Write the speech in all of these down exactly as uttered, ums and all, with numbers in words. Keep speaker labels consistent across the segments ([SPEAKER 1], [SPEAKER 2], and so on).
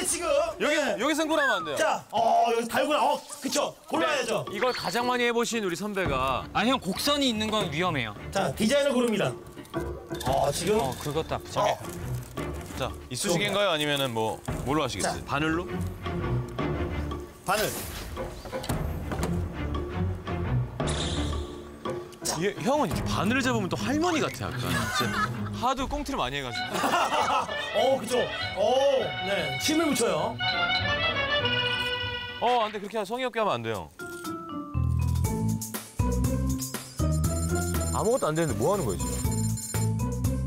[SPEAKER 1] 지금.
[SPEAKER 2] 여기
[SPEAKER 1] 네.
[SPEAKER 2] 여기 승부하면 안 돼요.
[SPEAKER 1] 자, 어 여기 달고나, 어 그쵸. 골라야죠.
[SPEAKER 2] 이걸 가장 많이 해보신 우리 선배가.
[SPEAKER 3] 아 형 곡선이 있는 건 위험해요.
[SPEAKER 1] 자, 디자인을 고릅니다. 어 지금.
[SPEAKER 3] 어 그것도 아프죠.
[SPEAKER 1] 어.
[SPEAKER 2] 자, 이쑤시개인가요? 아니면은 뭐 뭘로 하시겠어요?
[SPEAKER 1] 자.
[SPEAKER 2] 바늘로?
[SPEAKER 1] 바늘.
[SPEAKER 2] 이, 형은 이렇게 바늘을 잡으면 또 할머니 같아 약간. 진짜 하도 꽁트를 많이 해가지고.
[SPEAKER 1] 어 그죠. 어 네. 힘을 묻혀요.
[SPEAKER 2] 어, 안 돼. 그렇게 성의 없게 하면 안 돼요. 아무것도 안 되는데 뭐 하는 거예요, 지금?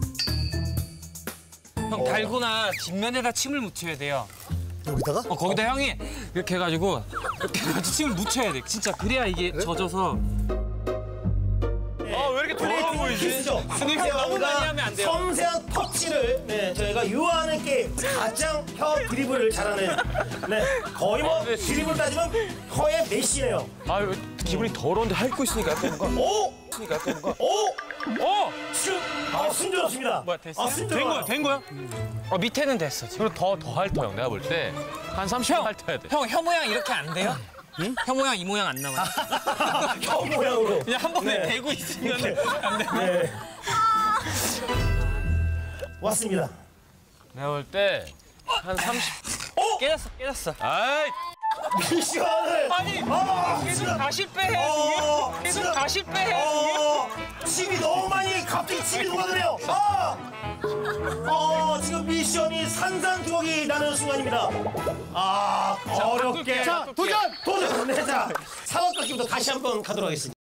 [SPEAKER 3] 형 달고나 뒷면에다 침을 묻혀야 돼요.
[SPEAKER 1] 여기다가?
[SPEAKER 3] 어 거기다 형이 이렇게 해가지고 이렇게 해가지고 침을 묻혀야 돼. 진짜 그래야 이게 젖어서.
[SPEAKER 2] 아, 왜 이렇게 더러워 보이지?
[SPEAKER 1] 키스죠.
[SPEAKER 3] 스님 형 너무 많이 하면 안 돼요.
[SPEAKER 1] 섬세한 터치를 네 저희가 유아하는 게 가장 혀 드리블을 잘하는 네 거의 뭐
[SPEAKER 2] 아, 네.
[SPEAKER 1] 드리블 따지면 혀의 메시네요.
[SPEAKER 2] 아, 왜 기분이 더러운데 핥고 있으니까 약간 뭔가.
[SPEAKER 1] 오,
[SPEAKER 2] 있으니까 약간 뭔가.
[SPEAKER 1] 오,
[SPEAKER 2] 어!
[SPEAKER 1] 슛. 아 순조롭습니다.
[SPEAKER 3] 뭐야, 됐어요?
[SPEAKER 1] 아
[SPEAKER 2] 된
[SPEAKER 1] 순조로워.
[SPEAKER 2] 거야, 된 거야?
[SPEAKER 3] 어 밑에는 됐어 지금.
[SPEAKER 2] 그리고 더, 더 핥어, 형. 내가 볼 때. 한 삼십 분 핥아야 돼.
[SPEAKER 3] 형 혀 모양 이렇게 안 돼요? 응? 혀 모양 이 모양 안 나와요.
[SPEAKER 1] 혀 모양으로.
[SPEAKER 3] 그냥 한 번에
[SPEAKER 1] 네.
[SPEAKER 3] 대고 있으면 안 돼.
[SPEAKER 1] 네. 왔습니다.
[SPEAKER 2] 내가 볼 때. 한 삼십.
[SPEAKER 1] 오,
[SPEAKER 3] 깨졌어 깨졌어.
[SPEAKER 2] 아이!
[SPEAKER 1] 미션을.
[SPEAKER 3] 아니
[SPEAKER 1] 아,
[SPEAKER 3] 계속
[SPEAKER 1] 지금.
[SPEAKER 3] 다 실패해.
[SPEAKER 1] 어,
[SPEAKER 3] 계속
[SPEAKER 1] 지금.
[SPEAKER 3] 다 실패해.
[SPEAKER 1] 어, 침이 너무 많이 갑자기 침이 녹아드네요. 아, 어, 지금 미션이 산산조각이 나는 순간입니다. 아, 어렵게.
[SPEAKER 3] 자,
[SPEAKER 1] 도전! 도전! 네, 자, 사각깎기부터 다시 한번 가도록 하겠습니다.